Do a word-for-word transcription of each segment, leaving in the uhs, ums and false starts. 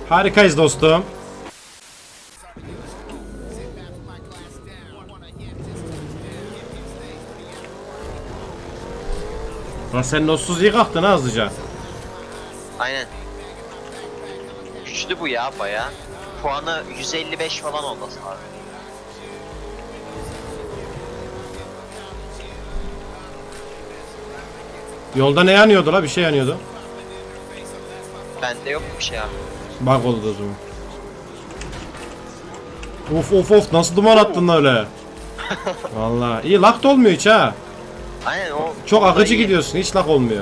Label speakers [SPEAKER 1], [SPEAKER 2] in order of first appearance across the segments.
[SPEAKER 1] Harikayız dostum. Lan sen notsuz iyi kalktın ha hızlıca.
[SPEAKER 2] Aynen. Güçlü bu ya baya. Puanı yüz elli beş falan olması lazım.
[SPEAKER 1] Yolda ne yanıyordu la? Bir şey yanıyordu.
[SPEAKER 2] Bende yok bir şey abi.
[SPEAKER 1] Bak oldu o zaman. Of of of, nasıl duman attın öyle? Vallahi iyi, lak da olmuyor hiç ha.
[SPEAKER 2] Aynen o.
[SPEAKER 1] Çok akıcı
[SPEAKER 2] iyi.
[SPEAKER 1] gidiyorsun, hiç lak olmuyor.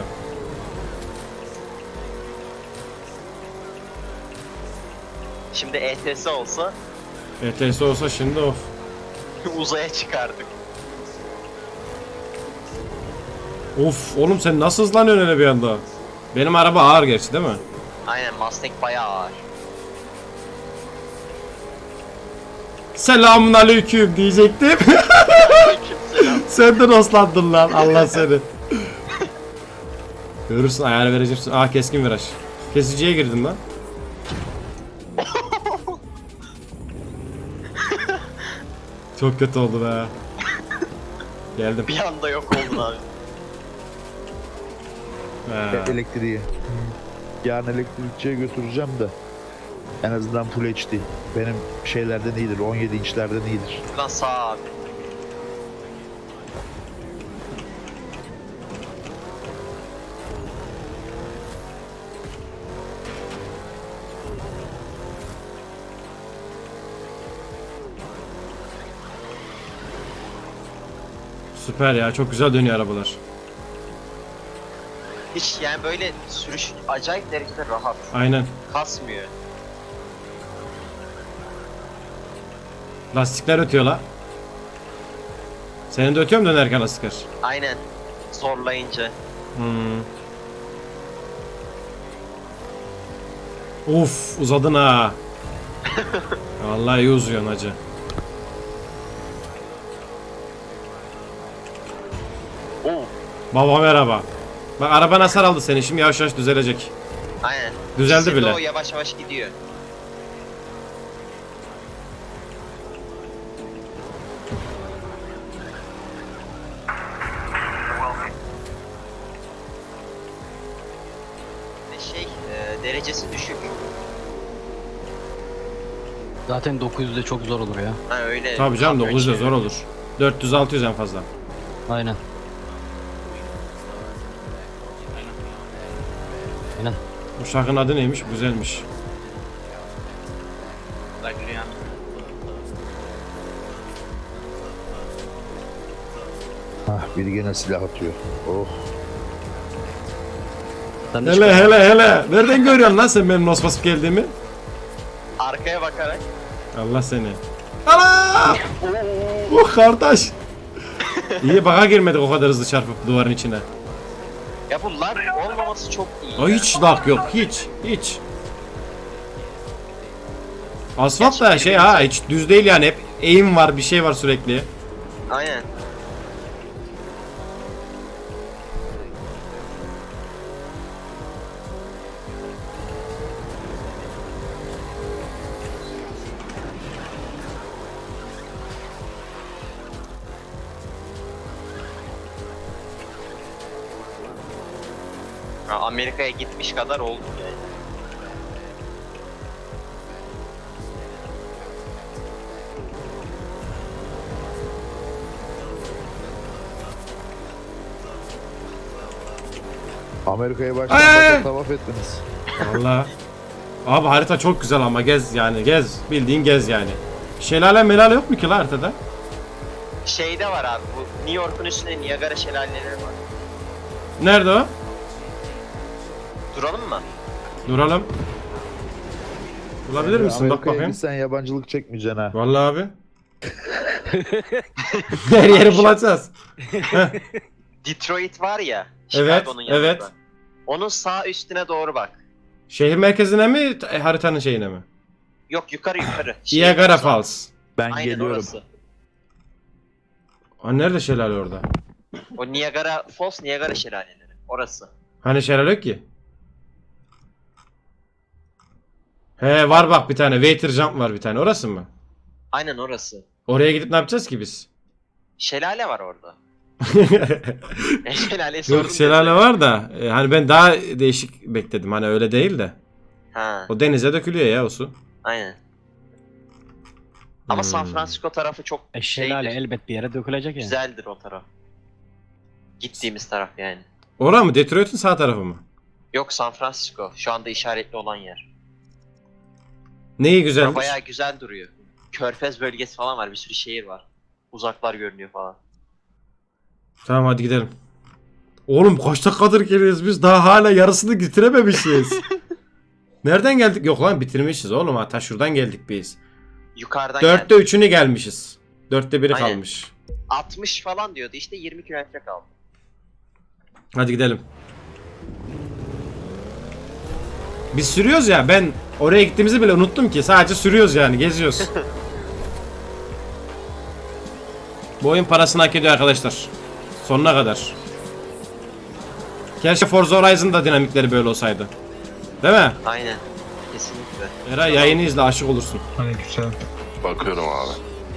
[SPEAKER 2] Şimdi E T S olsa
[SPEAKER 1] E T S olsa şimdi of.
[SPEAKER 2] uzaya çıkardık.
[SPEAKER 1] Of oğlum, sen nasıl hızlanıyorsun öyle bir anda? Benim araba ağır gerçi değil mi?
[SPEAKER 2] Aynen Mustang bayağı ağır.
[SPEAKER 1] Selamun aleyküm diyecektim.
[SPEAKER 2] Aleykümselam.
[SPEAKER 1] Sen de dostlandın lan, Allah seni. Görürsün, ayar vereceğim. Aa, keskin viraj. Kesiciye girdim lan. Çok kötü oldu be. Geldim.
[SPEAKER 2] Bir anda yok oldun abi.
[SPEAKER 1] He.
[SPEAKER 3] Elektriği. Yarın elektrikçiye götüreceğim de. En azından Full H D. Benim şeylerden iyidir. on yedi inçlerden iyidir.
[SPEAKER 2] Buradan sağ abi.
[SPEAKER 1] Süper ya, çok güzel dönüyor arabalar.
[SPEAKER 2] Hiç yani böyle sürüş acayip derecede rahat.
[SPEAKER 1] Aynen.
[SPEAKER 2] Kasmıyor.
[SPEAKER 1] Lastikler ötüyor la. Senin de ötüyor mu dönerken lastikler?
[SPEAKER 2] Aynen. Zorlayınca.
[SPEAKER 1] Hmm. Uf, uzadın ha. Vallahi iyi uzuyorsun hacı.
[SPEAKER 2] Oo.
[SPEAKER 1] Baba merhaba. Bak araba nasıl aldı seni, şimdi yavaş yavaş düzelecek.
[SPEAKER 2] Aynen.
[SPEAKER 1] Düzeldi
[SPEAKER 2] İkisi de
[SPEAKER 1] bile.
[SPEAKER 2] O yavaş yavaş gidiyor. Ve şey e, derecesi düşük.
[SPEAKER 4] Zaten dokuz yüzde çok zor olur ya.
[SPEAKER 2] Ha öyle.
[SPEAKER 1] Tabii canım,
[SPEAKER 2] kamyon
[SPEAKER 1] dokuz yüz de
[SPEAKER 2] çeviriyor.
[SPEAKER 1] zor olur. dört yüz altı yüz en fazla.
[SPEAKER 4] Aynen. Aynen.
[SPEAKER 1] Bu şarkının adı neymiş? Güzelmiş.
[SPEAKER 3] Hah, biri gene silah atıyor. Oh.
[SPEAKER 4] Sen de
[SPEAKER 1] Hele
[SPEAKER 4] çıkar.
[SPEAKER 1] hele hele. Nereden görüyorsun lan sen benim nos basıp geldiğimi?
[SPEAKER 2] Arkaya bakarak.
[SPEAKER 1] Allah seni. Ana! Oh kardeş. İyi, baka girmedik o kadar hızlı çarpıp duvarın içine.
[SPEAKER 2] Ya bu lag olmaması çok iyi.
[SPEAKER 1] O
[SPEAKER 2] ya.
[SPEAKER 1] hiç lag yok, hiç hiç. Asfalt da
[SPEAKER 2] Gerçekten
[SPEAKER 1] şey
[SPEAKER 2] güzel.
[SPEAKER 1] ha, hiç düz değil yani, hep eğim var, bir şey var sürekli.
[SPEAKER 2] Aynen. Ya Amerika'ya gitmiş kadar oldu yani.
[SPEAKER 3] Amerika'ya
[SPEAKER 1] Ay, ay,
[SPEAKER 3] baştan
[SPEAKER 1] ay.
[SPEAKER 3] başa tavaf ettiniz.
[SPEAKER 1] Vallahi. Abi harita çok güzel ama gez yani, gez. Bildiğin gez yani. Şelale melale yok mu ki la haritada?
[SPEAKER 2] Şeyde var abi bu New York'un üstünde Niagara şelaleleri var.
[SPEAKER 1] Nerede o?
[SPEAKER 2] Duralım mı?
[SPEAKER 1] Duralım. Bulabilir misin? Bak
[SPEAKER 3] Amerika'ya
[SPEAKER 1] bakayım.
[SPEAKER 3] gitsen yabancılık çekmeyeceksin ha.
[SPEAKER 1] Vallahi abi. Her yeri bulacağız.
[SPEAKER 2] Detroit var ya.
[SPEAKER 1] Evet,
[SPEAKER 2] Chicago'nun yanında.
[SPEAKER 1] evet.
[SPEAKER 2] Onun sağ üstüne doğru bak.
[SPEAKER 1] Şehir merkezine mi, t- haritanın şeyine mi?
[SPEAKER 2] Yok yukarı yukarı. Şey,
[SPEAKER 1] Niagara
[SPEAKER 2] orası.
[SPEAKER 1] Falls.
[SPEAKER 3] Ben
[SPEAKER 2] Aynen
[SPEAKER 3] geliyorum.
[SPEAKER 2] orası.
[SPEAKER 1] Ha, nerede şelale orada?
[SPEAKER 2] O Niagara Falls, Niagara şelaleleri. Orası.
[SPEAKER 1] Hani şelale yok ki? He var bak bir tane. Waiter jump var bir tane. Orası mı?
[SPEAKER 2] Aynen orası.
[SPEAKER 1] Oraya gidip ne yapacağız ki biz?
[SPEAKER 2] Şelale var orada. E, şelale sorun
[SPEAKER 1] Yok şelale
[SPEAKER 2] değil.
[SPEAKER 1] var da e, hani ben daha değişik bekledim. Hani öyle değil de.
[SPEAKER 2] Ha,
[SPEAKER 1] O denize dökülüyor ya o su.
[SPEAKER 2] aynen. Ama
[SPEAKER 1] Hmm.
[SPEAKER 2] San Francisco tarafı çok
[SPEAKER 4] E şelale
[SPEAKER 2] şeydir,
[SPEAKER 4] elbet bir yere dökülecek ya.
[SPEAKER 2] güzeldir o taraf. Gittiğimiz taraf yani.
[SPEAKER 1] Ora mı? Detroit'in sağ tarafı mı?
[SPEAKER 2] Yok, San Francisco. Şu anda işaretli olan yer.
[SPEAKER 1] Neyi
[SPEAKER 2] Bura
[SPEAKER 1] güzelmiş?
[SPEAKER 2] bayağı güzel duruyor. Körfez bölgesi falan var. Bir sürü şehir var. Uzaklar görünüyor falan.
[SPEAKER 1] Tamam hadi gidelim. Oğlum kaç dakikadır geliyoruz biz daha hala yarısını bitirememişiz. Nereden geldik? Yok lan bitirmişiz oğlum hatta şuradan geldik biz.
[SPEAKER 2] Yukarıdan
[SPEAKER 1] Dörtte
[SPEAKER 2] geldi.
[SPEAKER 1] üçünü gelmişiz. Dörtte biri
[SPEAKER 2] Aynen.
[SPEAKER 1] kalmış.
[SPEAKER 2] altmış falan diyordu işte, yirmi kilometre kaldı.
[SPEAKER 1] Hadi gidelim. Biz sürüyoruz ya ben oraya gittiğimizi bile unuttum ki sadece sürüyoruz yani geziyoruz. Bu oyun parasını hak ediyor arkadaşlar. Sonuna kadar. Keşke Forza Horizon'da dinamikleri böyle olsaydı. Değil mi?
[SPEAKER 2] Aynen. Kesinlikle.
[SPEAKER 1] Eray yayını izle aşık olursun.
[SPEAKER 5] Aleykümselam.
[SPEAKER 6] Bakıyorum abi.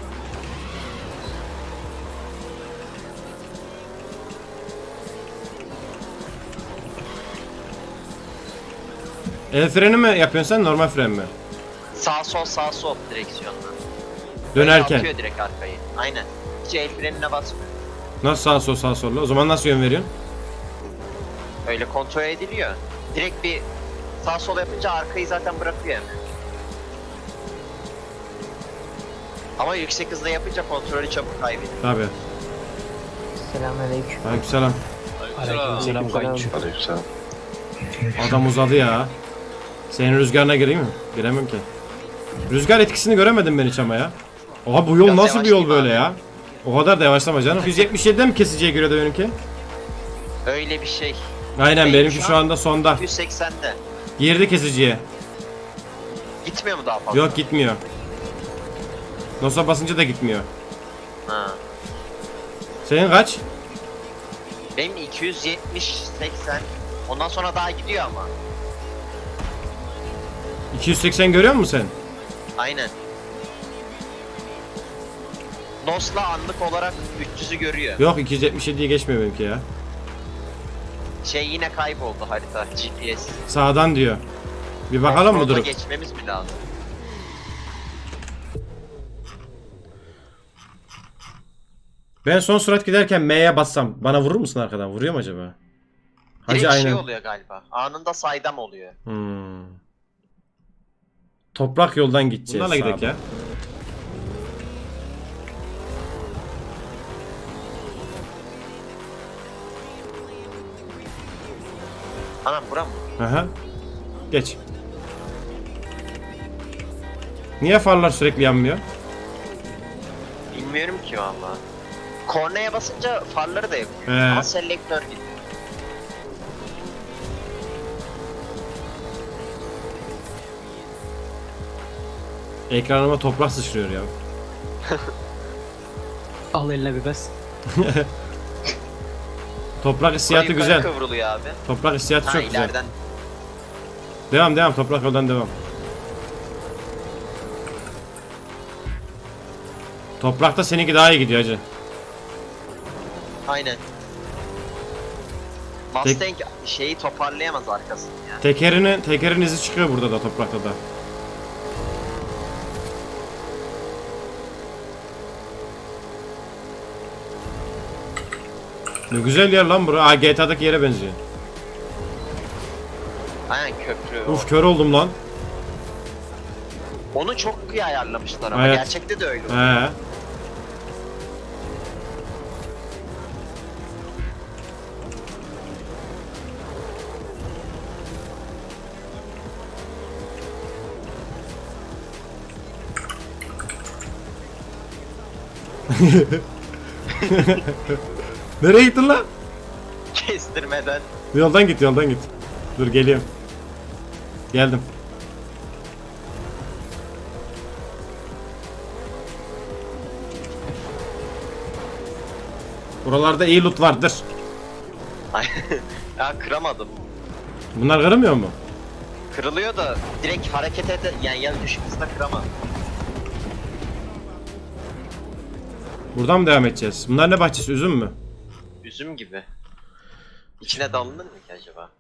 [SPEAKER 1] El freni mi yapıyorsun sen normal fren mi?
[SPEAKER 2] Sağ sol sağ sol direksiyonla.
[SPEAKER 1] Dönerken.
[SPEAKER 2] Atıyor direkt arkayı. Aynen. Hiç el frenine basmıyor.
[SPEAKER 1] Nasıl sağ sol sağ solla? O zaman nasıl yön veriyorsun?
[SPEAKER 2] Öyle kontrol ediliyor. Direkt bir sağ sol yapınca arkayı zaten bırakıyor hemen. Ama yüksek hızda yapınca kontrolü çabuk kaybediyor.
[SPEAKER 1] Tabii.
[SPEAKER 7] Selamünaleyküm.
[SPEAKER 1] Aleykümselam.
[SPEAKER 4] Aleykümselam kayınço.
[SPEAKER 6] Aleykümselam.
[SPEAKER 1] Adam uzadı ya. Senin rüzgarına gireyim mi? Giremem ki. Rüzgar etkisini göremedim ben hiç ama ya. Oha bu yol
[SPEAKER 2] Biraz
[SPEAKER 1] nasıl bir yol
[SPEAKER 2] yavaşlayayım
[SPEAKER 1] böyle
[SPEAKER 2] abi.
[SPEAKER 1] ya? O kadar da yavaşlama canım. yüz yetmiş yediden mi kesiciye göre de benimki?
[SPEAKER 2] Öyle bir şey.
[SPEAKER 1] Aynen
[SPEAKER 2] Benim
[SPEAKER 1] benimki
[SPEAKER 2] şu
[SPEAKER 1] şu
[SPEAKER 2] an-
[SPEAKER 1] anda sonda.
[SPEAKER 2] yüz seksende.
[SPEAKER 1] Girdi kesiciye.
[SPEAKER 2] Gitmiyor mu daha fazla?
[SPEAKER 1] Yok gitmiyor. Nosa basınca da gitmiyor.
[SPEAKER 2] Ha.
[SPEAKER 1] Senin kaç?
[SPEAKER 2] Benim iki yüz yetmiş seksen. Ondan sonra daha gidiyor ama.
[SPEAKER 1] iki yüz seksen görüyor musun sen?
[SPEAKER 2] Aynen. Nos'la anlık olarak üç yüzü görüyor.
[SPEAKER 1] Yok iki yüz yetmiş yediye geçmiyor benimki ya.
[SPEAKER 2] Şey yine kayboldu harita, G P S.
[SPEAKER 1] Sağdan diyor. Bir bakalım mı
[SPEAKER 2] Fronta
[SPEAKER 1] durup?
[SPEAKER 2] geçmemiz mi lazım?
[SPEAKER 1] Ben son sürat giderken M'ye bassam bana vurur musun arkadan? Vuruyor mu acaba? Hacı
[SPEAKER 2] Direkt
[SPEAKER 1] aynen.
[SPEAKER 2] şey oluyor galiba. Anında saydam oluyor.
[SPEAKER 1] Hmm. Toprak yoldan gideceğiz. Bunlarla gidelim ya.
[SPEAKER 2] Anam bura mı?
[SPEAKER 1] Aha. Geç. Niye farlar sürekli yanmıyor?
[SPEAKER 2] Bilmiyorum ki valla. Kornaya basınca farları da yapıyor.
[SPEAKER 1] He.
[SPEAKER 2] Ama selektör gibi.
[SPEAKER 1] Ekranıma toprak sıçrıyor ya.
[SPEAKER 4] Al eline bir bez.
[SPEAKER 1] Toprak hissiyatı
[SPEAKER 2] Yukarı
[SPEAKER 1] güzel.
[SPEAKER 2] kıvrılıyor abi.
[SPEAKER 1] Toprak hissiyatı
[SPEAKER 2] Ha
[SPEAKER 1] çok güzel.
[SPEAKER 2] ileriden.
[SPEAKER 1] Devam devam toprak yoldan devam. Toprakta seninki daha iyi gidiyor hacı.
[SPEAKER 2] Aynen. Mustang şeyi toparlayamaz arkasını ya.
[SPEAKER 1] Tekerini, tekerin izi çıkıyor burada da toprakta da. Ne güzel yer lan bura. Aa G T A'daki yere benziyor.
[SPEAKER 2] Aynen köprü. o.
[SPEAKER 1] Uf kör oldum lan.
[SPEAKER 2] Onu çok iyi ayarlamışlar ama
[SPEAKER 1] Evet.
[SPEAKER 2] gerçekte de öyle.
[SPEAKER 1] He. Nereye gittin lan?
[SPEAKER 2] Kestirmeden.
[SPEAKER 1] Yoldan git yoldan git. Dur geliyorum. Geldim. Buralarda iyi loot vardır.
[SPEAKER 2] ya kıramadım.
[SPEAKER 1] Bunlar kırılmıyor mu?
[SPEAKER 2] Kırılıyor da direkt hareket ede yani ya düşük hızda kıramam.
[SPEAKER 1] Buradan mı devam edeceğiz? Bunlar ne bahçesi? Üzüm mü?
[SPEAKER 2] Üzüm gibi. İçine dalınır mı ki acaba?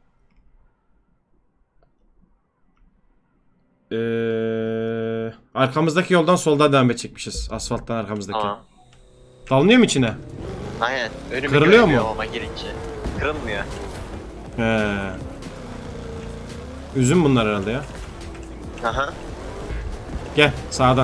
[SPEAKER 1] Ee, arkamızdaki yoldan soldan devam edecekmişiz. Asfalttan arkamızdaki.
[SPEAKER 2] Tamam.
[SPEAKER 1] Dalınıyor mu içine?
[SPEAKER 2] Aynen. Önümü
[SPEAKER 1] Kırılıyor
[SPEAKER 2] göremiyor
[SPEAKER 1] mu?
[SPEAKER 2] Ama girince. Kırılmıyor.
[SPEAKER 1] He. Üzüm bunlar herhalde ya.
[SPEAKER 2] Aha.
[SPEAKER 1] Gel sağdan.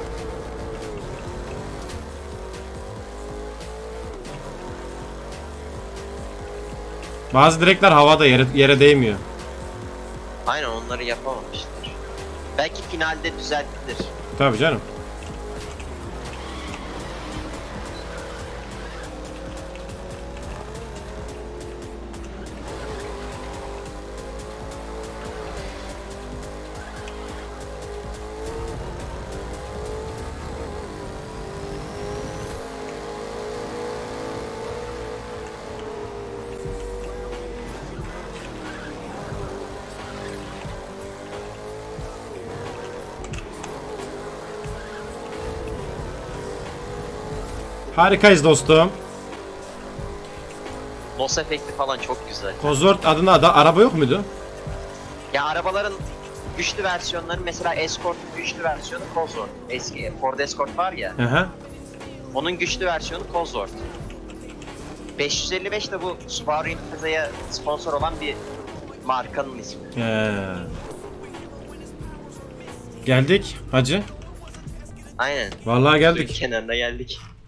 [SPEAKER 1] Bazı direkler havada yere, yere değmiyor.
[SPEAKER 2] Aynen onları yapamamışlar. Belki finalde düzeltilir.
[SPEAKER 1] Tabii canım. Harikayız dostum.
[SPEAKER 2] Nos efekti falan çok güzel.
[SPEAKER 1] Cosworth adına da araba yok muydu?
[SPEAKER 2] Ya arabaların güçlü versiyonları mesela Escort'un güçlü versiyonu Cosworth. Eski Ford Escort var ya.
[SPEAKER 1] Hı hı.
[SPEAKER 2] Onun güçlü versiyonu Cosworth. beş yüz elli beş de bu Subaru Impreza'ya sponsor olan bir markanın ismi.
[SPEAKER 1] He. Geldik hacı.
[SPEAKER 2] Aynen.
[SPEAKER 1] Vallahi
[SPEAKER 2] Suyun
[SPEAKER 1] geldik.
[SPEAKER 2] kenarına geldik.